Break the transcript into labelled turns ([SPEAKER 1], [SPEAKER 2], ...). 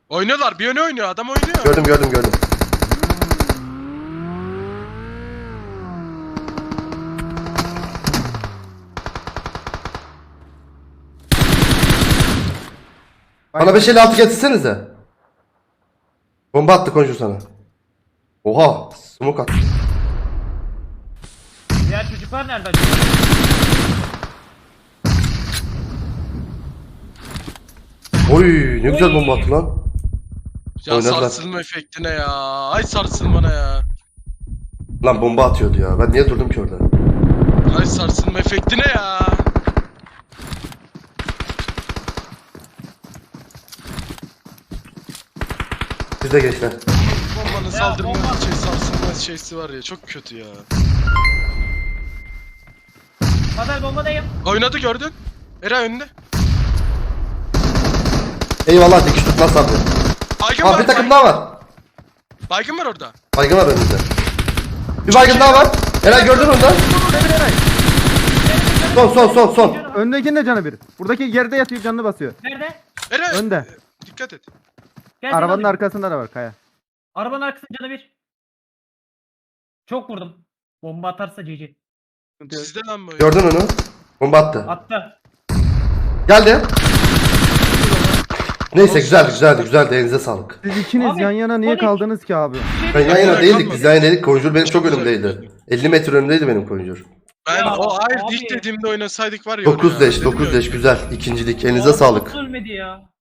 [SPEAKER 1] Oynuyorlar. Bir yöne oynuyor. Adam oynuyor.
[SPEAKER 2] Gördüm. Bana 556 getirsenize. Bomba attı Conjur sana. Oha, smoke attı.
[SPEAKER 3] Diğer çocuklar nerede acaba?
[SPEAKER 2] Oy, ne güzel bomba attı lan.
[SPEAKER 1] Ya
[SPEAKER 2] Oynadılar.
[SPEAKER 1] sarsılma efektine ya. Ay sarsılmana ya.
[SPEAKER 2] Lan bomba atıyordu ya. Ben niye durdum ki orada?
[SPEAKER 1] Ay sarsılma efektine ya.
[SPEAKER 2] Siz de gençler.
[SPEAKER 1] Bombanın saldırma sarsılma şeysi var ya. Çok kötü ya.
[SPEAKER 3] Kader bombadayım.
[SPEAKER 1] Oynadı gördün. Eray önünde.
[SPEAKER 2] Eyvallah, dikiş tutmaz abi.
[SPEAKER 1] Baygın
[SPEAKER 2] Aa,
[SPEAKER 1] var.
[SPEAKER 2] bir takım daha var.
[SPEAKER 1] Baygın var orada.
[SPEAKER 2] Baygın var önümüzde. Bir baygın daha var. Eray gördün onu da. Son.
[SPEAKER 4] Öndekinin de canı bir. Buradaki yerde yatıyor, canını basıyor.
[SPEAKER 3] Nerede?
[SPEAKER 1] Eray.
[SPEAKER 4] Önde.
[SPEAKER 1] Dikkat et.
[SPEAKER 3] Gel seni
[SPEAKER 4] Arabanın
[SPEAKER 3] alayım.
[SPEAKER 4] arkasında da var Kaya.
[SPEAKER 3] Arabanın arkasında canı bir. Çok vurdum. Bomba atarsa GG.
[SPEAKER 1] Sizde lan bu.
[SPEAKER 2] Gördün onu. Bomba attı.
[SPEAKER 3] Attı.
[SPEAKER 2] Geldi. Neyse güzeldi. Elinize sağlık.
[SPEAKER 4] Siz ikiniz
[SPEAKER 3] Abi,
[SPEAKER 4] yan yana niye
[SPEAKER 3] Sonic.
[SPEAKER 4] kaldınız ki abi?
[SPEAKER 2] Ben yan yana
[SPEAKER 1] Aynen,
[SPEAKER 2] değildik.
[SPEAKER 1] kalmadı.
[SPEAKER 2] Biz yan yana değildik. Conjur benim çok
[SPEAKER 1] Güzel,
[SPEAKER 2] önümdeydi.
[SPEAKER 1] güzel.
[SPEAKER 2] 50 metre önümdeydi benim Conjur.
[SPEAKER 1] Ben
[SPEAKER 3] Ya,
[SPEAKER 1] o hayır
[SPEAKER 3] abi.
[SPEAKER 1] ilk dediğimde oynasaydık var ya.
[SPEAKER 2] 9
[SPEAKER 1] oraya.
[SPEAKER 2] leş
[SPEAKER 1] Dedim ya.
[SPEAKER 2] güzel. İkincilik. Elinize
[SPEAKER 3] Adam
[SPEAKER 2] sağlık.
[SPEAKER 3] nasıl ölmedi ya?